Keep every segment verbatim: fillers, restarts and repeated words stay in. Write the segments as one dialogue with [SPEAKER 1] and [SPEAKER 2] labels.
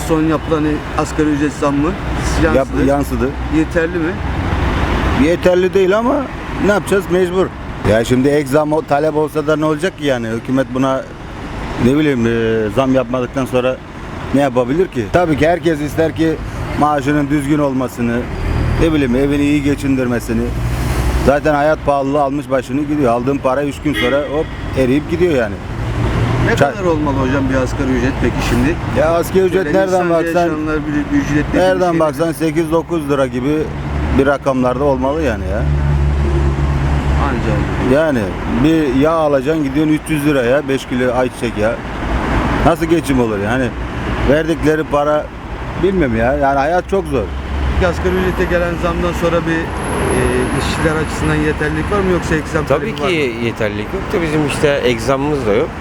[SPEAKER 1] son yapılan asgari ücret zammı
[SPEAKER 2] Yap,
[SPEAKER 1] yansıdı.
[SPEAKER 2] yansıdı.
[SPEAKER 1] Yeterli mi?
[SPEAKER 2] Yeterli değil ama ne yapacağız, mecbur. Ya şimdi ek zam o- talep olsa da ne olacak ki yani? Hükümet buna ne bileyim e, zam yapmadıktan sonra ne yapabilir ki? Tabii ki herkes ister ki maaşının düzgün olmasını, ne bileyim evini iyi geçindirmesini. Zaten hayat pahalılığı almış başını gidiyor. Aldığın para üç gün sonra hop eriyip gidiyor yani.
[SPEAKER 1] Ne
[SPEAKER 2] Ça-
[SPEAKER 1] kadar olmalı hocam bir asgari ücret peki şimdi?
[SPEAKER 2] Ya asgari ücret
[SPEAKER 1] Böyle
[SPEAKER 2] nereden
[SPEAKER 1] insanca
[SPEAKER 2] baksan
[SPEAKER 1] yaşananlar bir, bir ücret dediği
[SPEAKER 2] nereden
[SPEAKER 1] şey
[SPEAKER 2] baksan sekiz dokuz lira gibi bir rakamlarda olmalı yani ya.
[SPEAKER 1] Ancak.
[SPEAKER 2] Yani bir yağ alacaksın gidiyorsun üç yüz liraya beş kilo ayçiçek yağı. Nasıl geçim olur yani? Verdikleri para bilmiyorum ya. Yani hayat çok zor.
[SPEAKER 1] Asgari ücrete gelen zamdan sonra bir e, işçiler açısından yeterlilik var mı yoksa eksem
[SPEAKER 3] Tabii
[SPEAKER 1] talebi var
[SPEAKER 3] ki
[SPEAKER 1] mı?
[SPEAKER 3] yeterlilik yok da bizim işte egzamımız da yok.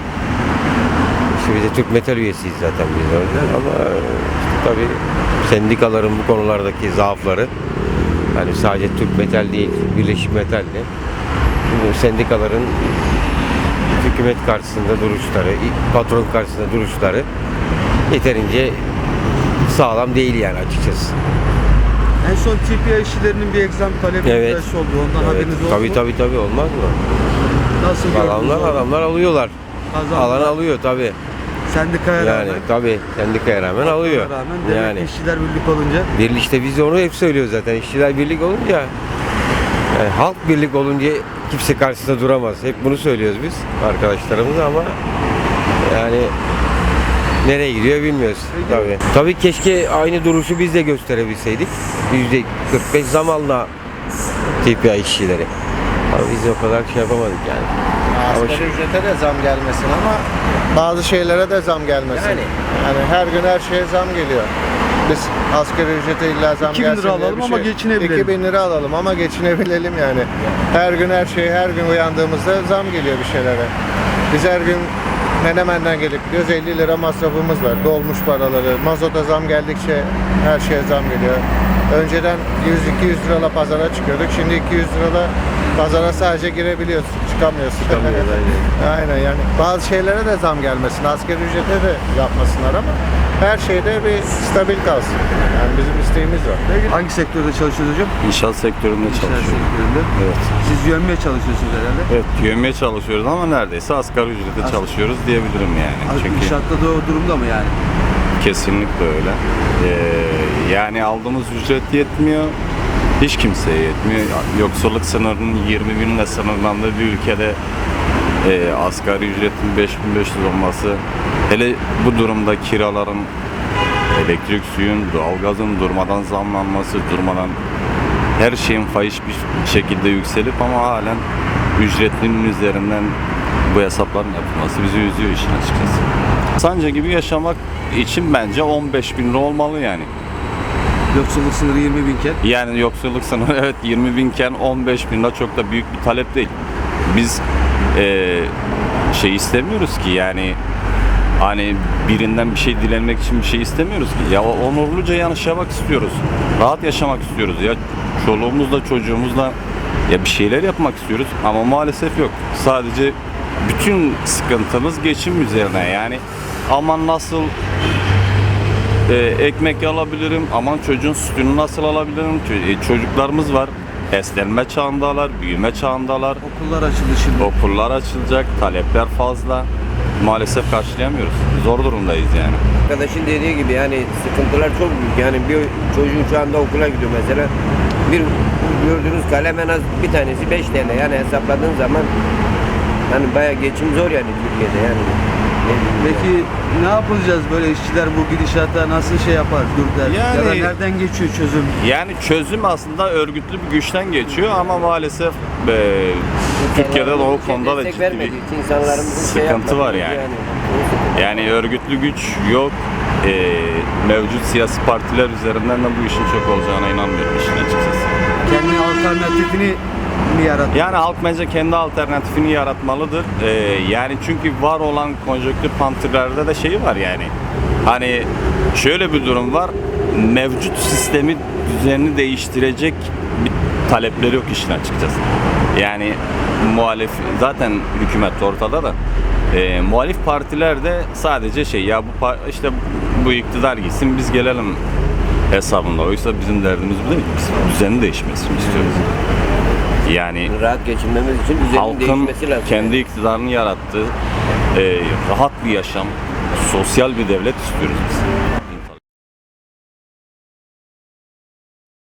[SPEAKER 3] İşte biz de Türk Metal üyesiyiz zaten biz orada ama işte tabii sendikaların bu konulardaki zaafları hani sadece Türk Metal değil, Birleşik Metal de bu sendikaların hükümet karşısında duruşları, patron karşısında duruşları yeterince sağlam değil yani açıkçası.
[SPEAKER 1] En son T P I işçilerinin bir eksam talebi
[SPEAKER 3] Evet.
[SPEAKER 1] evet. oldu. Ondan
[SPEAKER 3] Evet,
[SPEAKER 1] haberiniz oldu
[SPEAKER 3] tabii
[SPEAKER 1] mu?
[SPEAKER 3] tabii tabii olmaz mı?
[SPEAKER 1] Nasıl gördünüz
[SPEAKER 3] Adamlar
[SPEAKER 1] onu?
[SPEAKER 3] adamlar alıyorlar.
[SPEAKER 1] Kazandılar.
[SPEAKER 3] Alan alıyor tabii.
[SPEAKER 1] Sendikaya
[SPEAKER 3] Yani
[SPEAKER 1] rağmen.
[SPEAKER 3] tabii sendikaya rağmen alıyor.
[SPEAKER 1] Rağmen demek
[SPEAKER 3] Yani
[SPEAKER 1] ki işçiler birlik olunca.
[SPEAKER 3] birlik işte biz de onu hep söylüyoruz zaten. İşçiler birlik olunca yani halk birlik olunca kimse karşısında duramaz. Hep bunu söylüyoruz biz arkadaşlarımıza ama yani nereye gidiyor bilmiyoruz tabii. Tabii keşke aynı duruşu biz de gösterebilseydik. yüzde kırk beş zam aldı T P I işçileri. Ama biz o kadar şey yapamadık yani. Ama
[SPEAKER 4] Asgari
[SPEAKER 3] şu-
[SPEAKER 4] ücrete de zam gelmesin ama bazı şeylere de zam gelmesin.
[SPEAKER 3] Yani.
[SPEAKER 4] Yani her gün her şeye zam geliyor. Biz asgari ücrete illa zam
[SPEAKER 1] iki bin lira
[SPEAKER 4] gelsin diye
[SPEAKER 1] alalım
[SPEAKER 4] bir
[SPEAKER 1] ama
[SPEAKER 4] şey-
[SPEAKER 1] geçinebilelim.
[SPEAKER 4] iki bin lira alalım ama geçinebilelim yani. Her gün her şeye her gün uyandığımızda zam geliyor bir şeylere. Biz her gün Menemen'den gelip gidiyoruz, elli lira masrafımız var. Dolmuş paraları, mazota zam geldikçe her şeye zam geliyor. Önceden yüz iki yüz lirayla pazara çıkıyorduk. Şimdi iki yüz lirayla pazara sadece girebiliyorsun, çıkamıyorsun.
[SPEAKER 3] Çıkamıyoruz, aynen.
[SPEAKER 4] Aynen yani. Bazı şeylere de zam gelmesin, asgari ücrete de yapmasınlar ama her şeyde bir stabil kalsın. Yani bizim isteğimiz var.
[SPEAKER 1] Peki hangi sektörde çalışıyorsunuz hocam?
[SPEAKER 5] İnşaat sektöründe
[SPEAKER 1] İnşaat
[SPEAKER 5] çalışıyorum.
[SPEAKER 1] sektöründe.
[SPEAKER 5] Evet.
[SPEAKER 1] Siz yönmeye çalışıyorsunuz herhalde.
[SPEAKER 5] Evet, yövmeye çalışıyoruz ama neredeyse asgari ücrete
[SPEAKER 1] As-
[SPEAKER 5] çalışıyoruz diyebilirim yani.
[SPEAKER 1] Az-
[SPEAKER 5] Çünkü
[SPEAKER 1] İnşaatta da o durumda mı yani?
[SPEAKER 5] kesinlikle öyle. Ee, yani aldığımız ücret yetmiyor. Hiç kimseye yetmiyor. Yoksulluk sınırının yirmi binle sınırlandığı bir ülkede e, asgari ücretin beş bin beş yüz olması, hele bu durumda kiraların, elektrik, suyun, doğalgazın durmadan zamlanması, durmadan her şeyin fahiş bir şekilde yükselip ama halen ücretlinin üzerinden bu hesapların yapılması bizi üzüyor işin açıkçası. Sancı gibi yaşamak için bence on beş bin lira olmalı yani.
[SPEAKER 1] Yoksulluk sınırı yirmi binken.
[SPEAKER 5] Yani yoksulluk sınırı evet yirmi binken on beş bin lira çok da büyük bir talep değil. Biz eee, şey istemiyoruz ki yani hani birinden bir şey dilenmek için bir şey istemiyoruz ki. Ya onurluca yaşamak istiyoruz. Rahat yaşamak istiyoruz ya. Çoluğumuzla çocuğumuzla ya bir şeyler yapmak istiyoruz ama maalesef yok. Sadece bütün sıkıntımız geçim üzerine yani aman nasıl e, ekmek alabilirim, aman çocuğun sütünü nasıl alabilirim, Ç- e, çocuklarımız var, beslenme çağındalar, büyüme çağındalar,
[SPEAKER 1] Okullar açıldı şimdi.
[SPEAKER 5] okullar açılacak, talepler fazla, maalesef karşılayamıyoruz, zor durumdayız yani.
[SPEAKER 3] Arkadaşın dediği gibi yani sıkıntılar çok büyük. Yani bir çocuğun şu anda okula gidiyor mesela. Bir gördüğünüz kalem en az bir tanesi beş T L. Yani hesapladığın zaman hani bayağı geçim zor yani Türkiye'de yani.
[SPEAKER 1] Peki ne yapacağız böyle işçiler bu gidişata nasıl şey yapar, dur der?
[SPEAKER 5] Yani-
[SPEAKER 1] Ya da nereden geçiyor çözüm?
[SPEAKER 5] Yani çözüm aslında örgütlü bir güçten geçiyor ama maalesef e, Türkiye'de de o konuda da
[SPEAKER 3] Destek
[SPEAKER 5] ciddi
[SPEAKER 3] vermediği
[SPEAKER 5] bir
[SPEAKER 3] için insanlarımızın şey
[SPEAKER 5] sıkıntı
[SPEAKER 3] yapmadığı
[SPEAKER 5] var yani.
[SPEAKER 3] yani.
[SPEAKER 5] Yani örgütlü güç yok. E, mevcut siyasi partiler üzerinden de bu işin çok olacağına inanmıyorum işin açıkçası.
[SPEAKER 1] Kendi alternatifini mi yaratıyor?
[SPEAKER 5] Yani halk bence kendi alternatifini yaratmalıdır. E, yani çünkü var olan konjonktür pantirlerde de şeyi var yani. Hani şöyle bir durum var. Mevcut sistemi düzenini değiştirecek bir talepleri yok işin açıkçası. Yani muhalif zaten hükümet ortada da E, muhalif partiler de sadece şey ya bu par- işte bu iktidar gitsin biz gelelim hesabında. Oysa bizim derdimiz bu değil. Biz düzenin değişmesini istiyoruz. Yani
[SPEAKER 3] Rahat geçinmemiz için düzenin
[SPEAKER 5] halkın
[SPEAKER 3] değişmesi lazım.
[SPEAKER 5] kendi iktidarını yarattığı e, rahat bir yaşam, sosyal bir devlet istiyoruz biz.